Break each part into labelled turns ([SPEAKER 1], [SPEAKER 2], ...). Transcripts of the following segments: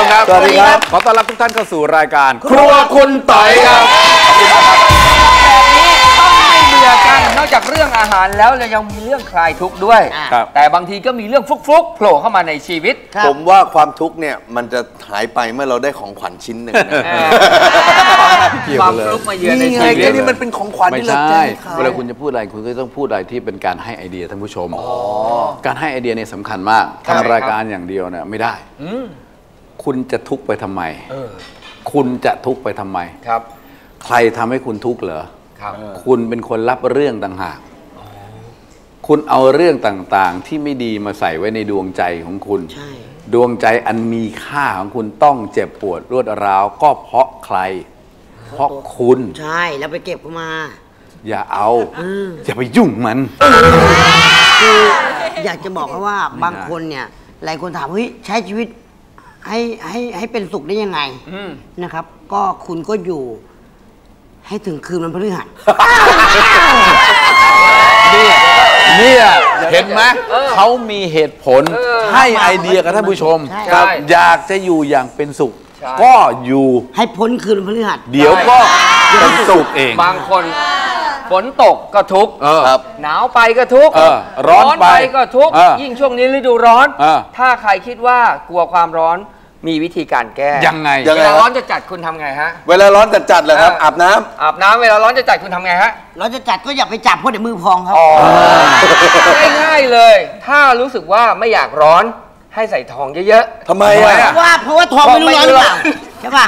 [SPEAKER 1] มครับสวัสดีครับขอต้อนรับทุกท่านเข้าสู่รายการครัวคุณต่อยครับ
[SPEAKER 2] แบบนี้ต้องไม่เบื่อกันนอกจากเรื่องอาหารแล้วเรายังมีเรื่องคลายทุกข์ด้วยแต่บางทีก็มีเรื่องฟลุกๆโผล่เข้ามาในชีวิต
[SPEAKER 3] ผมว่าความทุกข์เนี่ยมันจะหายไปเมื่อเราได้ของขวัญชิ้นหนึ่ง
[SPEAKER 2] ความฟลุกมาเยือนในชีวิต
[SPEAKER 3] นี่มันเป็นของขวัญที่เรา
[SPEAKER 1] ใช่เวลาคุณจะพูดอะไรคุณก็ต้องพูดอะไรที่เป็นการให้ไอเดียท่านผู้ชมการให้ไอเดียเนี่ยสำคัญมากทำรายการอย่างเดียวเนี่ยไม่ได้คุณจะทุกข์ไปทำไมคุณจะทุกข์ไปทำไม
[SPEAKER 2] ครับ
[SPEAKER 1] ใครทำให้คุณทุกข์เหรอคุณเป็นคนรับเรื่องต่างหากคุณเอาเรื่องต่างๆที่ไม่ดีมาใส่ไว้ในดวงใจของคุณดวงใจอันมีค่าของคุณต้องเจ็บปวดรวดร้าวก็เพราะใครเพราะคุณ
[SPEAKER 4] ใช่แล้วไปเก็บมา
[SPEAKER 1] อย่าเอาอย่าไปยุ่งมัน
[SPEAKER 4] คืออยากจะบอกว่าบางคนเนี่ยหลายคนถามเฮ้ยใช้ชีวิตให้เป็นสุขได้ยังไงนะครับก็คุณก็อยู่ให้ถึงคืนวันพฤหัส
[SPEAKER 1] เนี่ยเห็นไหมเขามีเหตุผลให้ไอเดียกับท่านผู้ชมอยากจะอยู่อย่างเป็นสุขก็อยู่
[SPEAKER 4] ให้พ้นคืนวันพฤหัส
[SPEAKER 1] เดี๋ยวก็เป็นสุขเอง
[SPEAKER 2] บางคนฝนตกก็ทุกข์หนาวไปก็ทุกข์
[SPEAKER 1] ร้อนไป
[SPEAKER 2] ก็ทุกข์ยิ่งช่วงนี้ฤดูร้อนถ้าใครคิดว่ากลัวความร้อนมีวิธีการแก้
[SPEAKER 1] ยังไง
[SPEAKER 2] เวลาร้อนจะจัดคุณทำไงฮะ
[SPEAKER 3] เวลาร้อนจัดเลยครับอาบน้
[SPEAKER 2] ำเวลาร้อนจะจัดคุณทำไงฮะ
[SPEAKER 4] ร้อนจะจัดก็อย่าไปจับเพราะเดี๋ยวมือพองครับ
[SPEAKER 2] ง่ายๆเลยถ้ารู้สึกว่าไม่อยากร้อนให้ใส่ทองเยอะ
[SPEAKER 3] ๆทำไม
[SPEAKER 4] เพราะว่าทองไม่รู้ร้อนหรือเปล่าใช่ป่ะ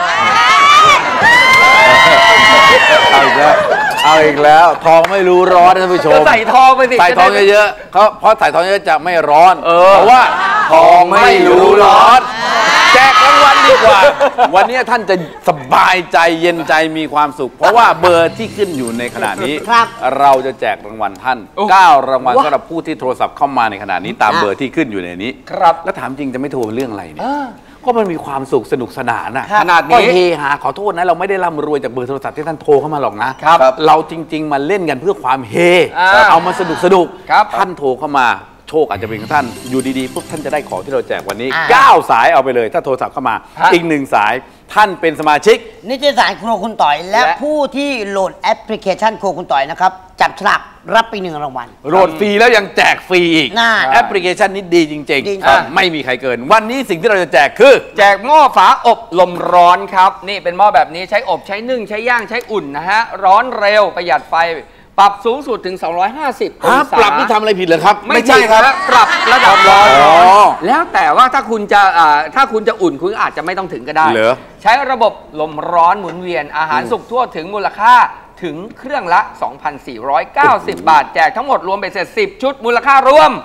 [SPEAKER 1] เอาอีกแล้วทองไม่รู้ร้อนท่านผู้ชม
[SPEAKER 2] ใส่ทองไปสิ
[SPEAKER 1] ใส่ทองเยอะๆเพราะใส่ทองเยอะจะไม่ร้อนเพราะว่าทองไม่รู้ร้อนแจกรางวัลดีกว่าวันนี้ท่านจะสบายใจเย็นใจมีความสุขเพราะว่าเบอร์ที่ขึ้นอยู่ในขณะนี้เราจะแจกรางวัลท่าน9รางวัลสำหรับผู้ที่โทรศัพท์เข้ามาในขณะนี้ตามเบอร์ที่ขึ้นอยู่ในนี้
[SPEAKER 2] ครับ
[SPEAKER 1] แล้วถามจริงจะไม่โทรเรื่องอะไรเนี่ยก็มันมีความสุขสนุกสนาน
[SPEAKER 2] ขนาดนี้
[SPEAKER 1] ก็เฮฮาขอโทษนะเราไม่ได้ร่ำรวยจากเบอร์โทรศัพท์ที่ท่านโทรเข้ามาหรอกนะเราจริงๆมาเล่นกันเพื่อความเฮเอามาสนุกท่านโทรเข้ามาโชคอาจจะเป็นของท่านอยู่ดีๆปุ๊บท่านจะได้ของที่เราแจกวันนี้9สายเอาไปเลยถ้าโทรศัพท์เข้ามาอีก1สายท่านเป็นสมาชิก
[SPEAKER 4] นิตยสารครัวคุณต่อยและผู้ที่โหลดแอปพลิเคชันครัวคุณต่อยนะครับจับฉลากรับไป1รางวัล
[SPEAKER 1] โหลดฟรีแล้วยังแจกฟรีอีกแอปพลิเคชันนี้ดีจริงๆไม่มีใครเกินวันนี้สิ่งที่เราจะแจกคือ
[SPEAKER 2] แจกหม้อฝาอบลมร้อนครับนี่เป็นหม้อแบบนี้ใช้อบใช้นึ่งใช้ย่างใช้อุ่นนะฮะร้อนเร็วประหยัดไฟปรับสูงสุดถึง250องศา
[SPEAKER 1] ปรับที่ทำอะไรผิดเหรอครับ
[SPEAKER 2] ไม่ใช่ครับปรับระดับร้อนแล้วแต่ว่าถ้าคุณจะอุ่นคุณอาจจะไม่ต้องถึงก็ได้ใช้ระบบลมร้อนหมุนเวียนอาหารสุกทั่วถึงมูลค่าถึงเครื่องละ 2,490 บาทแจกทั้งหมดรวมไปเสร็จ10ชุดมูลค่ารวม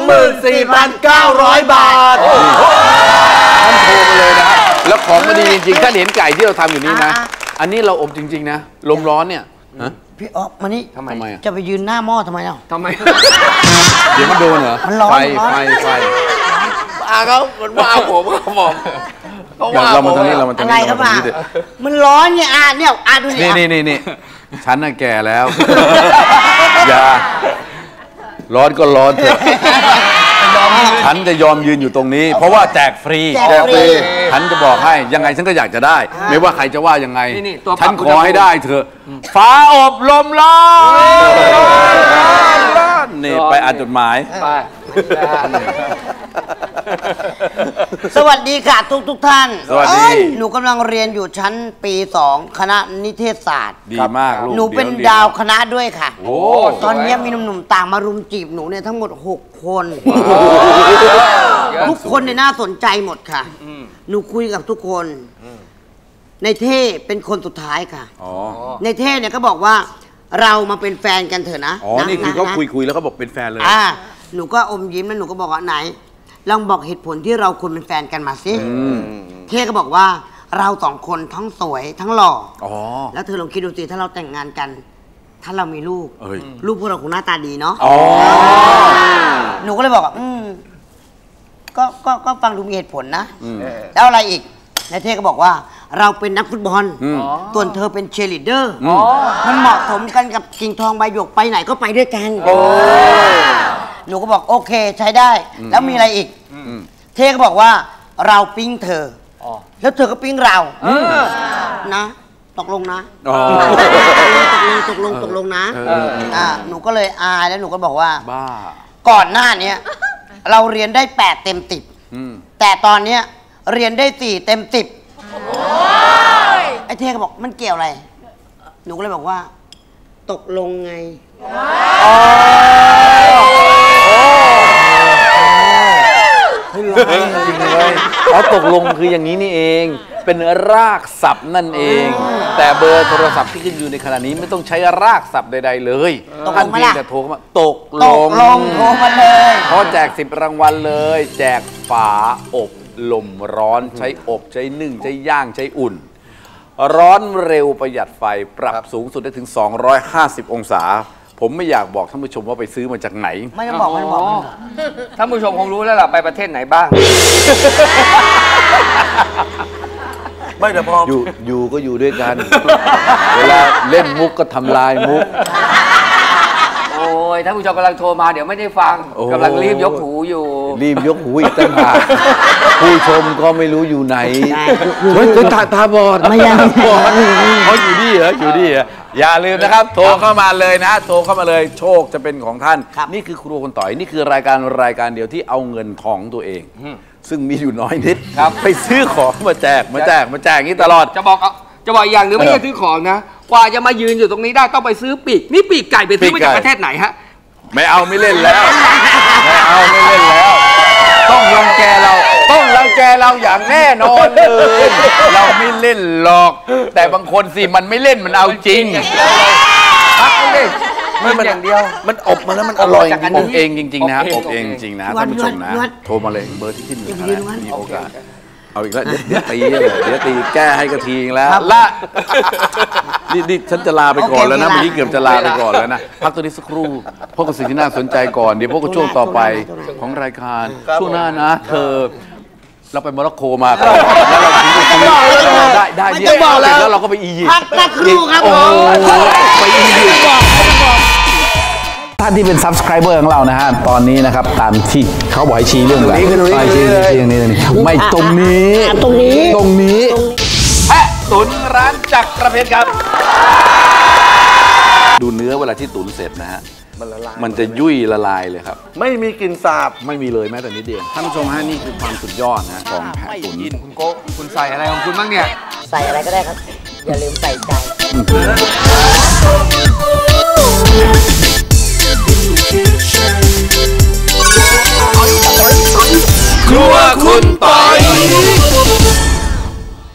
[SPEAKER 3] 24,900 บาท
[SPEAKER 1] ท่านโทรมาเลยนะแล้วของมันดีจริงๆท่านเห็นไก่ที่เราทำอยู่นี่นะอันนี้เราอบจริงๆนะลมร้อนเนี่ย
[SPEAKER 4] พี่อ๊อฟมานี่
[SPEAKER 1] ทำไม
[SPEAKER 4] จะไปยืนหน้าหม้อทำไม
[SPEAKER 2] ทำไม
[SPEAKER 1] เดี๋ยวมันโดนเหรอ
[SPEAKER 4] มันร้อน
[SPEAKER 1] ไฟ
[SPEAKER 3] เขามันว่าผมครับผม
[SPEAKER 1] เรามาทางนี้เรามาทางนี้
[SPEAKER 4] อะไรครับมันร้อนเนี่ยเนี่ยดู
[SPEAKER 1] นี่ฉันน่ะแก่แล้วอย่าร้อนก็ร้อนเถอะฉันจะยอมยืนอยู่ตรงนี้เพราะว่าแจกฟรีฉันจะบอกให้ยังไงฉันก็อยากจะได้ไม่ว่าใครจะว่ายังไงฉันขอให้ได้เถอะฟ้าอบลมร้อนนี่ไปอ่านจดหมาย
[SPEAKER 4] สวัสดีค่ะทุกท่าน
[SPEAKER 1] สวัสดี
[SPEAKER 4] หนูกำลังเรียนอยู่ชั้นปี2คณะนิเทศศาสตร์
[SPEAKER 1] ดีมากลูก
[SPEAKER 4] หนูเป็นดาวคณะด้วยค่ะตอนนี้มีหนุ่มๆต่างมารุมจีบหนูเนี่ยทั้งหมด6คนทุกคนเนี่ยน่าสนใจหมดค่ะหนูคุยกับทุกคนในเท่เป็นคนสุดท้ายค่ะในเท่เนี่ยก็บอกว่าเรามาเป็นแฟนกันเถอะนะ
[SPEAKER 1] นี่คือเขาคุยแล้วเขาบอกเป็นแฟนเลย
[SPEAKER 4] หนูก็อมยิ้มแล้วหนูก็บอกว่าไหนลองบอกเหตุผลที่เราควรเป็นแฟนกันมาสิเท่ก็บอกว่าเรา2คนทั้งสวยทั้งหล่อแล้วเธอลองคิดดูสิถ้าเราแต่งงานกันถ้าเรามีลูกพวกเราคงหน้าตาดีเนาะหนูก็เลยบอกก็ฟังดูมีเหตุผลนะแล้วอะไรอีกนายเท่ก็บอกว่าเราเป็นนักฟุตบอลส่วนเธอเป็นเชียร์ลีดเดอร์มันเหมาะสมกันกับกิ่งทองใบหยกไปไหนก็ไปด้วยกันหนูก็บอกโอเคใช้ได้แล้วมีอะไรอีกเท่ก็บอกว่าเราปิ้งเธอแล้วเธอก็ปิ้งเรานะตกลงนะตกลงนะหนูก็เลยอายแล้วหนูก็บอกว่า
[SPEAKER 1] บ้า
[SPEAKER 4] ก่อนหน้านี้เราเรียนได้8 เต็ม 10แต่ตอนเนี้ยเรียนได้4 เต็ม 10ไอ้เท่ก็บอกมันเกี่ยวอะไรหนูก็เลยบอกว่าตกลงไง
[SPEAKER 1] จริงเลยเขาตกลงคืออย่างนี้นี่เองเป็นรากศัพท์นั่นเองแต่เบอร์โทรศัพท์ที่ขึ้นอยู่ในขณะนี้ไม่ต้องใช้รากศัพท์ใดๆเลยท่านเพียงแต่โทรเข้ามาตกลง
[SPEAKER 4] โทรมาเลย
[SPEAKER 1] เพราะแจก10 รางวัลเลยแจกฝาอบลมร้อนใช้อบใช้นึ่งใช้ย่างใช้อุ่นร้อนเร็วประหยัดไฟปรับสูงสุดได้ถึง250 องศาผมไม่อยากบอกท่านผู้ชมว่าไปซื้อมาจากไหน
[SPEAKER 4] ไม่ต้องบอก
[SPEAKER 2] ท่านผู้ชมคงรู้แล้วล่ะไปประเทศไหนบ้าง
[SPEAKER 3] ไม่แต่พอ
[SPEAKER 1] อยู่ก็อยู่ด้วยกันเวลาเล่นมุกก็ทำลายมุก
[SPEAKER 2] โอ้ยท่านผู้ชมกำลังโทรมาเดี๋ยวไม่ได้ฟังกำลังรีบยกหูอยู่
[SPEAKER 1] รีบยกหูอีกตั้งหากผู้ชมก็ไม่รู้อยู่ไหนเฮ้ยตาบอด
[SPEAKER 4] ไม่ยัง
[SPEAKER 1] เขาอยู่ดีเหรออยู่ดีเหรออย่าลืมนะครับโทรเข้ามาเลยนะโทรเข้ามาเลยโชคจะเป็นของท่านนี่คือครัวคนต่อยนี่คือรายการเดียวที่เอาเงินของตัวเองซึ่งมีอยู่น้อยนิดไปซื้อของมาแจกอย่างนี้ตลอด
[SPEAKER 2] จะบอกอย่างหนึ่งไม่ใช่ซื้อของนะกว่าจะมายืนอยู่ตรงนี้ได้ต้องไปซื้อปีกนี่ปีกไก่ไปซื้อมาจากประเทศไหนฮะ
[SPEAKER 1] ไม่เอาไม่เล่นแล้วไม่เล่นแล้วต้องรังแกเราอย่างแน่นอนเลยเราไม่เล่นหรอกแต่บางคนสิมันไม่เล่นมันเอาจริง
[SPEAKER 2] พักเลยมันอย่างเดียว
[SPEAKER 3] มันอบมาแล้วมันอร่อย
[SPEAKER 1] อบเองจริงๆนะอบเองจริงนะท่านผู้ชมนะโทรมาเลยเบอร์ที่ขึ้นอยู่นะมีโอกาสเอาอีกแล้วเดี๋ยวตีแก้ให้กะทีแล้วละนี่ฉันจะลาไปก่อนแล้วนะเมื่อกี้เกือบจะลาไปก่อนแล้วนะพักตัวนี้สักครู่พบกับสิ่งที่น่าสนใจก่อนเดี๋ยวพบกับช่วงต่อไปของรายการช่วงหน้านะเธอเราไปโมร็อกโกมาก่อนแล้วเราถึงไปซื้อได้เดี๋ยวแล้วเราก็ไปอียิปต์
[SPEAKER 4] พักสักครู่ครับผม
[SPEAKER 1] ไปอียิปต์ท่านที่เป็น Subscriber ของเรานะฮะตอนนี้นะครับตามที่เขาบอกให้ชี้เรื่องอะไรชี้นี่ไม่ตรงนี้แพะตุ๋นร้านจักรเพชรครับดูเนื้อเวลาที่ตุ๋นเสร็จนะฮะมันจะยุ่ยละลายเลยครับ
[SPEAKER 3] ไม่มีกลิ่นสาบ
[SPEAKER 1] ไม่มีเลยแม้แต่นิดเดียวท่านผู้ชมฮะนี่คือความสุดยอดนะของแพะตุ๋น
[SPEAKER 2] คุณโก้คุณใส่อะไรของคุณบ้างเนี่ย
[SPEAKER 4] ใส่อะไรก็ได้ครับอย่าลืมใส่ใจ
[SPEAKER 1] ครัวคุณต่อ